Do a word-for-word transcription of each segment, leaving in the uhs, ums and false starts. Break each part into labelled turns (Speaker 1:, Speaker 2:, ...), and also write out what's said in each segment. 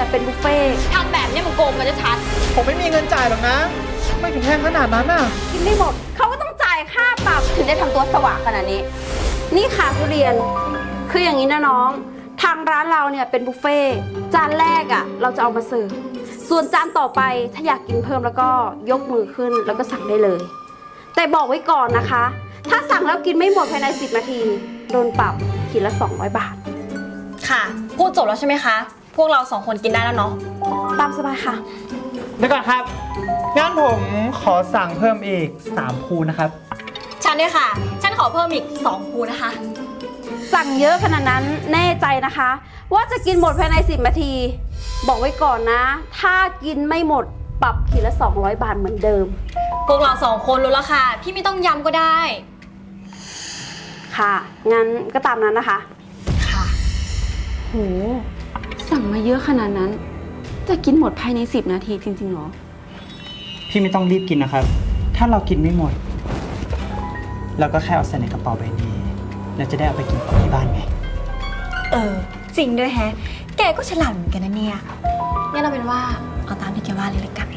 Speaker 1: เป็นบุฟเฟ่ต์
Speaker 2: ทำแบบนี้มันโกงกันจะชัด
Speaker 3: ผมไม่มีเงินจ่ายหรอกนะ ไม่ถึงแพงขนาดนั้นน่ะ
Speaker 1: กินไม่หมดเขาก็ต้องจ่ายค่าปรับถึงได้ทำตัวสว่างขนาดนี้ นี่ค่ะทุเรียนคืออย่างนี้นะน้องทางร้านเราเนี่ยเป็นบุฟเฟ่ต์จานแรกอ่ะเราจะเอามาเสิร์ฟส่วนจานต่อไปถ้าอยากกินเพิ่มแล้วก็ยกมือขึ้นแล้วก็สั่งได้เลย แต่บอกไว้ก่อนนะคะ ถ้าสั่งแล้วกินไม่หมดภายในสิบนาทีโดนปรับขีดละสองร้อยบาท
Speaker 2: ค่ะพูดจบแล้วใช่ไหมคะพวกเราสองคนกินได้แล้วเนาะ
Speaker 1: ตามสบายค่ะ
Speaker 3: เดี๋ยวก่อนครับงั้นผมขอสั่งเพิ่มอีกสามภูนะครับ
Speaker 2: ฉันด้วยค่ะฉันขอเพิ่มอีกสองภูนะคะ
Speaker 1: สั่งเยอะขนาดนั้นแน่ใจนะคะว่าจะกินหมดภายในสิบนาทีบอกไว้ก่อนนะถ้ากินไม่หมดปรับขีดละสองร้อยบาทเหมือนเดิม
Speaker 2: พวกเราสองคนรู้แล้วค่ะพี่ไม่ต้องย้ำก็ได้
Speaker 1: ค่ะงั้นก็ตามนั้นนะคะ
Speaker 2: ค่ะ
Speaker 1: โหสั่งมาเยอะขนาดนั้นจะกินหมดภายในสิบนาทีจริงๆหรอ
Speaker 3: พี่ไม่ต้องรีบกินนะครับถ้าเรากินไม่หมดเราก็แค่เอาใส่ในกระเป๋าใบนี้แล้วจะได้เอาไปกินต่อที่บ้านไง
Speaker 2: เออจริงด้วยแฮะแกก็ฉลาดเหมือนกันนะเนี่ยงั้นเราเป็นว่าเอาตามที่แกว่าเลยละกัน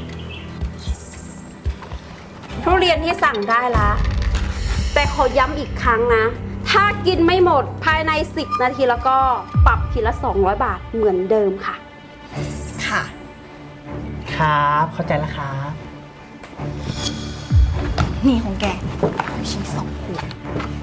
Speaker 1: ทุเรียนที่สั่งได้ละแต่ขอย้ำอีกครั้งนะถ้ากินไม่หมดภายในสิบนาทีแล้วก็ปรับขีดละสองร้อยบาทเหมือนเดิมค่ะ
Speaker 2: ค่ะ
Speaker 3: ครับเข้าใจแล้วครับ
Speaker 2: นี่ของแกชิ้นสองขวด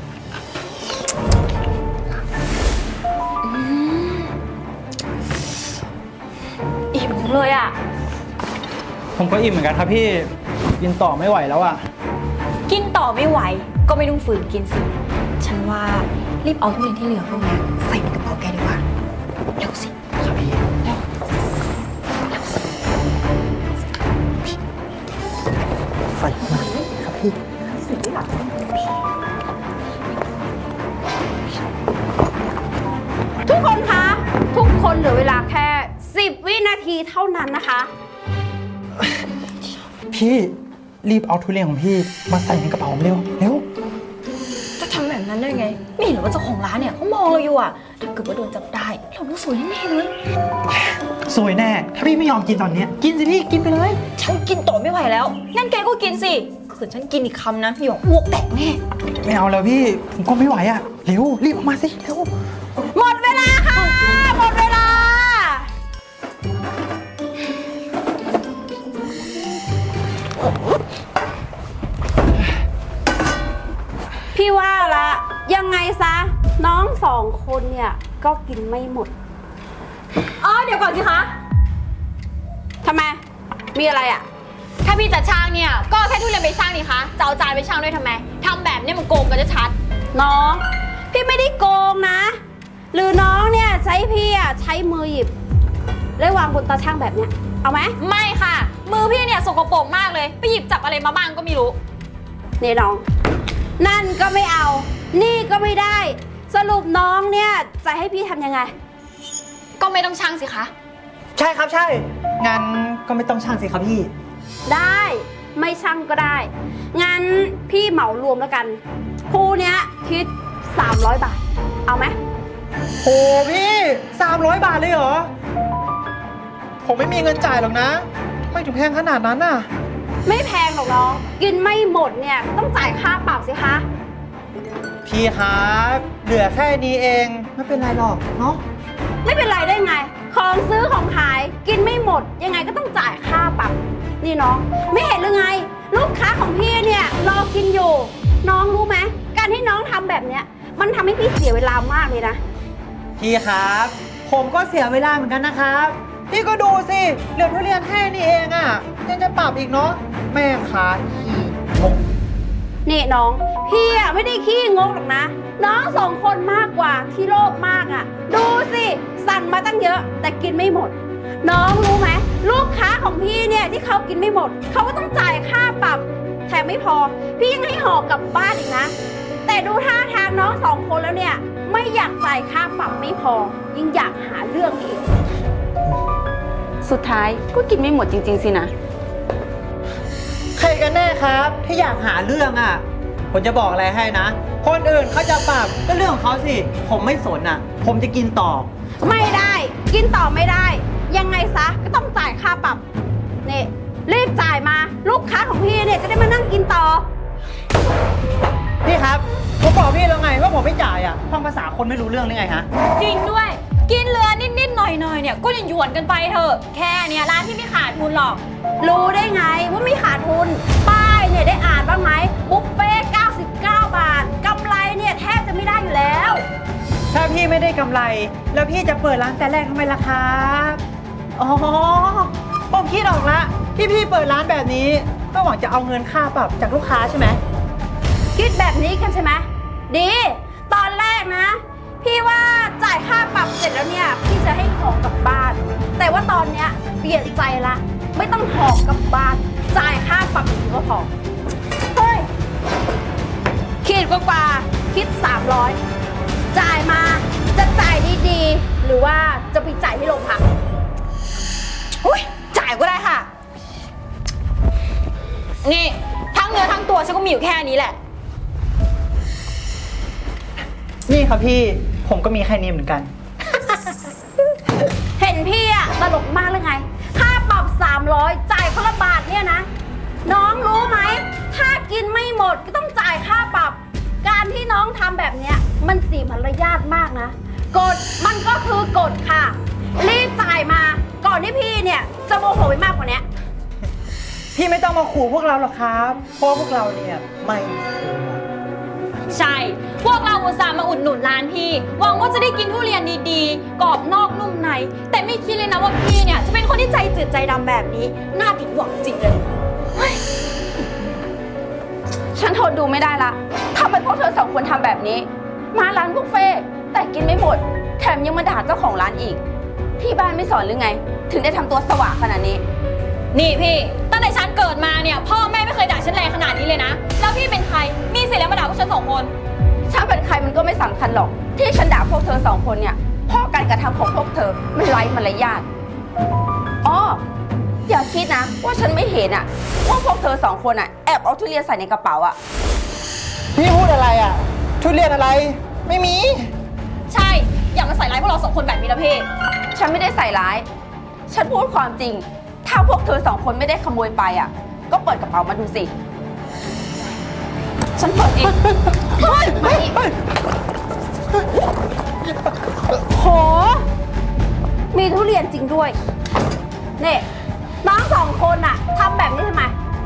Speaker 2: อิ่มเลยอ่ะ
Speaker 3: ผมก็อิ่มเหมือนกันครับพี่กินต่อไม่ไหวแล้วอ่ะ
Speaker 2: กินต่อไม่ไหวก็ไม่ต้องฝืนกินสิฉันว่ารีบเอาทุเรียนที่เหลือพวกนี้ใส่ในกระเป๋าแกดีกว่าเร็วสิ
Speaker 3: ครับพี่
Speaker 2: เร็ว
Speaker 3: ใส่มาครับพี่
Speaker 1: ทุกคนคะทุกคนเหลือเวลาแค่สิบวินาทีเท่านั้นนะคะ
Speaker 3: พี่รีบเอาทุเรียนของพี่มาใส่ในกระเป๋าเร็วเร็ว
Speaker 2: จะทำแบบนั้นได้ไงไม่เห็นหรือว่าเจ้าของร้านเนี่ยเขามองเราอยู่อ่ะถ้าเกิดว่าโดนจับได้เราต้องสวยแน่เลย
Speaker 3: สวยแน่ถ้าพี่ไม่ยอมกินตอนนี้กินสิพี่กินไปเลย
Speaker 2: ฉันกินต่อไม่ไหวแล้วงั้นแกก็กินสิขืนฉันกินอีกคำนะพี่บอกอ้วกแตกแน่
Speaker 3: ไม่เอาแล้วพี่ผมก็ไม่ไหวอ่ะเร็วรีบออกมาสิเร็ว
Speaker 1: หมดเวลาค่ะหมดเวลาพี่ว่าละยังไงซะน้องสองคนเนี่ยก็กินไม่หมด
Speaker 2: อ๋อเดี๋ยวก่อนสิคะ
Speaker 1: ทำไมมีอะไรอ่ะ
Speaker 2: ถ้าพี่จะช่างเนี่ยก็แค่ทุเรียนไปช่างนี่คะจะเอาจานไปช่างด้วยทำไมทำแบบนี้มันโกงกันจะชัด
Speaker 1: น้องพี่ไม่ได้โกงนะหรือน้องเนี่ยใช้พี่อ่ะใช้มือหยิบแล้ววางบนตาช่างแบบเนี้ยเอาไหม
Speaker 2: ไม่ค่ะมือพี่เนี่ยสกปรกมากเลยไปหยิบจับอะไรมาบ้างก็ไม่รู้
Speaker 1: นี่น้องนั่นก็ไม่เอานี่ก็ไม่ได้สรุปน้องเนี่ยจะให้พี่ทำยังไง
Speaker 2: ก็ไม่ต้องช่างสิคะ
Speaker 3: ใช่ครับใช่งั้นก็ไม่ต้องช่างสิครับพี่
Speaker 1: ได้ไม่ช่างก็ได้งั้นพี่เหมารวมแล้วกันคู่เนี้ยคิดสามร้อยบาทเอาไหม
Speaker 3: โหพี่สามร้อยบาทเลยเหรอผมไม่มีเงินจ่ายหรอกนะไม่ถึงแพงขนาดนั้นน่ะ
Speaker 1: ไม่แพงหรอกน้องกินไม่หมดเนี่ยต้องจ่ายค่าปรับสิคะ
Speaker 3: พี่ครับเหลือแค่นี้เองไม่เป็นไรหรอกเนาะ
Speaker 1: ไม่เป็นไรได้ไงของซื้อของขายกินไม่หมดยังไงก็ต้องจ่ายค่าปรับนี่น้องไม่เห็นหรือไงลูกค้าของพี่เนี่ยรอกินอยู่น้องรู้ไหมการที่น้องทำแบบเนี้ยมันทำให้พี่เสียเวลามากเลยนะ
Speaker 3: พี่ครับผมก็เสียเวลาเหมือนกันนะครับพี่ก็ดูสิเหลือทุเรียนแค่นี้เองอ่ะยังจะปรับอีกเนาะแม่ค้าขี้งก
Speaker 1: นี่น้องพี่อ่ะไม่ได้ขี้งกหรอกนะน้องสองคนมากกว่าที่โลภมากอ่ะดูสิสั่งมาตั้งเยอะแต่กินไม่หมดน้องรู้ไหมลูกค้าของพี่เนี่ยที่เขากินไม่หมดเขาก็ต้องจ่ายค่าปรับแถมไม่พอพี่ยังให้ห่อกลับบ้านอีกนะแต่ดูท่าทางน้องสองคนแล้วเนี่ยไม่อยากจ่ายค่าปรับไม่พอยิ่งอยากหาเรื่องอีกสุดท้ายก็กินไม่หมดจริงๆสินะ
Speaker 3: ใครกันแน่ครับที่อยากหาเรื่องอ่ะผมจะบอกอะไรให้นะคนอื่นเขาจะปรับก็เรื่องของเขาสิผมไม่สนอ่ะผมจะกินต่อ
Speaker 1: ไม่ได้กินต่อไม่ได้ยังไงซะก็ต้องจ่ายค่าปรับนี่รีบจ่ายมาลูกค้าของพี่เนี่ยจะได้มานั่งกินต่อ
Speaker 3: พี่ครับ ผมบอกพี่แล้วไงว่าผมไม่จ่ายอ่ะฟังภาษาคนไม่รู้เรื่องได้ไงฮะ
Speaker 2: จริงด้วย กินเรือนิดๆหน่อยๆเนี่ยก็ยังหยวนกันไปเถอะ แค่เนี้ยร้านที่ไม่ขาดทุนหรอก
Speaker 1: รู้ได้ไงว่าไม่ขาดทุน ป้ายเนี่ยได้อ่านบ้างไหมบุฟเฟ่ต์เก้าสิบเก้าบาทกำไรเนี่ยแทบจะไม่ได้อยู่แล้ว
Speaker 3: ถ้าพี่ไม่ได้กำไร แล้วพี่จะเปิดร้านแต่แรกทำไมล่ะครับอ๋อผมคิดออกละที่พี่เปิดร้านแบบนี้ก็หวังจะเอาเงินค่าปรับจากลูกค้าใช่ไหม
Speaker 1: คิดแบบนี้กันใช่ไหมดี ตอนแรกนะ พี่ว่าจ่ายค่าปรับเสร็จแล้วเนี่ยพี่จะให้ของกลับบ้าน แต่ว่าตอนเนี้ยเปลี่ยนใจละไม่ต้องของกลับบ้าน จ่ายค่าปรับอย่างนี้ก็พอเฮ้ยคิดกว่าๆคิดสามร้อยจ่ายมาจะจ่ายดีๆ หรือว่าจะไปจ่ายที่โรงพัก
Speaker 2: อุ้ยจ่ายก็ได้ค่ะ นี่ทั้งเนื้อทั้งตัวฉันก็มีอยู่แค่นี้แหละ
Speaker 3: นี่ครับพี่ผมก็มีแค่นี้เหมือนกัน
Speaker 1: เห็นพี่อะตลกมากเลยไง ค่าปรับสามร้อยจ่ายคนละบาทเนี่ยนะ น้องรู้ไหม ถ้ากินไม่หมดก็ต้องจ่ายค่าปรับ การที่น้องทำแบบเนี้ยมันเสียมารยาทมากนะ กฎมันก็คือกฎค่ะ รีบจ่ายมาก่อนที่พี่เนี่ยจะโมโหไปมากกว่านี้
Speaker 3: พี่ไม่ต้องมาขู่พวกเราหรอกครับ เพราะพวกเราเนี่ยไม่มีตัว
Speaker 2: ใช่ พวกเราอุตส่าห์มาอุดหนุนร้านพี่ หวังว่าจะได้กินทุเรียนดีๆ กรอบนอกนุ่มใน แต่ไม่คิดเลยนะว่าพี่เนี่ยจะเป็นคนที่ใจจืดใจดำแบบนี้ น่าผิดหวังจริงเลย
Speaker 1: ฉันทนดูไม่ได้ละทำไมพวกเธอสองคนทำแบบนี้ มาร้านบุฟเฟ่ต์แต่กินไม่หมด แถมยังมาด่าเจ้าของร้านอีก ที่บ้านไม่สอนหรือไง ถึงได้ทำตัวสว่างขนาดนี้
Speaker 2: นี่พี่ ตั้งแต่ฉันเกิดมาเนี่ยพ่อแม่ไม่เคยด่าฉันแรงขนาดนี้เลยนะ แล้วพี่เป็นใคร มีสิทธิ์แล้วมาด่าพวกฉันสองคน
Speaker 1: ฉันเป็นใครมันก็ไม่สำคัญหรอก ที่ฉันด่าพวกเธอสองคนเนี่ยเพราะการกระทำของพวกเธอมันไร้มารยาทอ๋ออย่าคิดนะว่าฉันไม่เห็นอะว่าพวกเธอสองคนอะแอบเอาทุเรียนใส่ในกระเป๋าอะ
Speaker 3: พี่พูดอะไรอ่ะทุเรียนอะไรไม่มี
Speaker 2: ใช่ อย่ามาใส่ร้ายพวกเราสองคนแบบนี้นะพี่
Speaker 1: ฉันไม่ได้ใส่ร้าย ฉันพูดความจริง ถ้าพวกเธอสองคนไม่ได้ขโมยไปอะก็เปิดกระเป๋ามาดูสิ ฉันเปิดเองเฮ้ยมาดิโห มีทุเรียนจริงด้วยนี่น้องสองคนอะทำแบบนี้ทำไม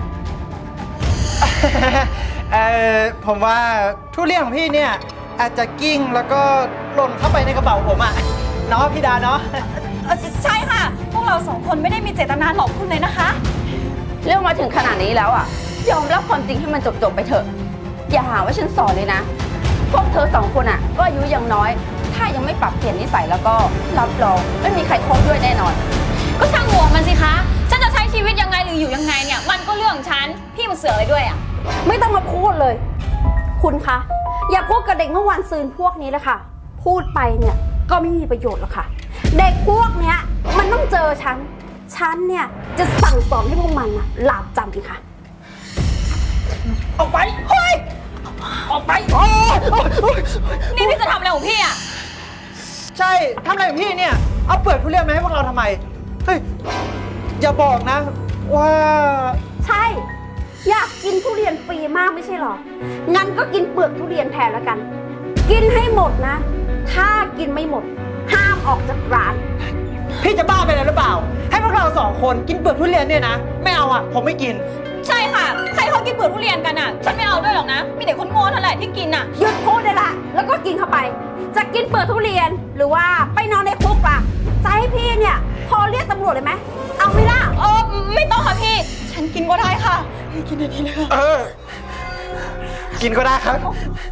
Speaker 3: เออผมว่าทุเรียนของพี่เนี่ยอาจจะกิ้งแล้วก็หล่นเข้าไปในกระเป๋าผมอ่ะเนาะพี่ดาเนาะ
Speaker 2: เออใช่ค่ะ พวกเราสองคนไม่ได้มีเจตนาหลอกคุณเลยนะคะ
Speaker 1: เรื่องมาถึงขนาดนี้แล้วอะยอมรับความจริงให้มันจบๆไปเถอะ อย่าหาว่าฉันสอนเลยนะ พวกเธอสองคนอะก็อายุยังน้อย ถ้ายังไม่ปรับเปลี่ยนนิสัยแล้วก็รับรองไม่มีใครคบด้วยแน่นอน
Speaker 2: ก็ช่างหัวมันสิคะ ฉันจะใช้ชีวิตยังไงหรืออยู่ยังไงเนี่ย มันก็เรื่องของฉัน พี่มาเสือกอะไรด้วยอ่ะ
Speaker 1: ไม่ต้องมาพูดเลย คุณคะ อย่าพูดกับเด็กเมื่อวานซืนพวกนี้เลยค่ะ พูดไปเนี่ยก็ไม่มีประโยชน์หรอกค่ะ เด็กพวกเนี้ยมันต้องเจอฉัน ฉันเนี่ยจะสั่งสอนให้พวกมันนะหลาบจำอีกค่ะ
Speaker 3: ออกไปเฮ้ยออกไปโอ้ยโอ๊ยโอ๊ย
Speaker 2: นี่พี่จะทำอะไรของพี่อ่ะ
Speaker 3: ใช่ทำอะไรของพี่เนี่ยเอาเปลือกทุเรียนมาให้พวกเราทำไมเฮ้ยอย่าบอกนะว่า
Speaker 1: ใช่ อยากกินทุเรียนฟรีมากไม่ใช่หรอ งั้นก็กินเปลือกทุเรียนแทนแล้วกัน กินให้หมดนะ ถ้ากินไม่หมด ห้ามออกจากร้าน
Speaker 3: พี่จะบ้าไปแล้วหรือเปล่า ให้พวกเราสองคนกินเปลือกทุเรียนเนี่ยนะไม่เอาอ่ะผมไม่กิน
Speaker 2: ใช่ค่ะ ใครเขากินเปลือกทุเรียนกันอ่ะ ฉันไม่เอาด้วยหรอกนะ มีแต่คนโง่เท่านั้นแหละที่กินอ่ะ
Speaker 1: หยุดพูดได้ละ แล้วก็กินเข้าไป จะกินเปลือกทุเรียนหรือว่าไปนอนในคุกล่ะจะให้พี่เนี่ยพอเรียกตำรวจเลยไหม เอาไหม่ล่ะ
Speaker 2: เออไม่ต้องค่ะพี่ ฉันกินก็ได้ค่ะ กินได้ดีเลย
Speaker 3: เออ กินก็ได้ครับ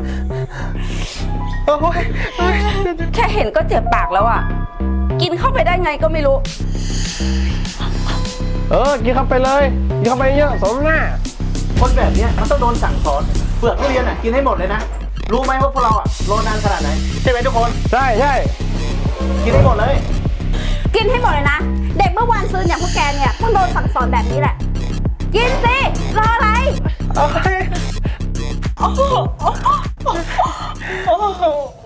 Speaker 3: โอ้ยโอ๊ย
Speaker 1: แค่เห็นก็เจ็บปากแล้วอ่ะ กินเข้าไปได้ไงก็ไม่รู้
Speaker 4: เออ กินเข้าไปเลย กินเข้าไปเยอะสมหน้า
Speaker 5: คนแบบเนี้ยมันต้องโดนสั่งสอนเปลือกทุเรียนอ่ะกินให้หมดเลยนะ รู้ไหมว่าพวกเราอ่ะรอนานขนาดไหนใช่ไหมทุกคน
Speaker 4: ใช่ใช่
Speaker 5: กินให้หมดเลย
Speaker 1: กินให้หมดเลยนะ เด็กเมื่อวานซื้ออย่างพวกแกเนี่ยต้องโดนสั่งสอนแบบนี้แหละ กินสิ รออะไร
Speaker 3: โอ๊ย
Speaker 2: โอ้โห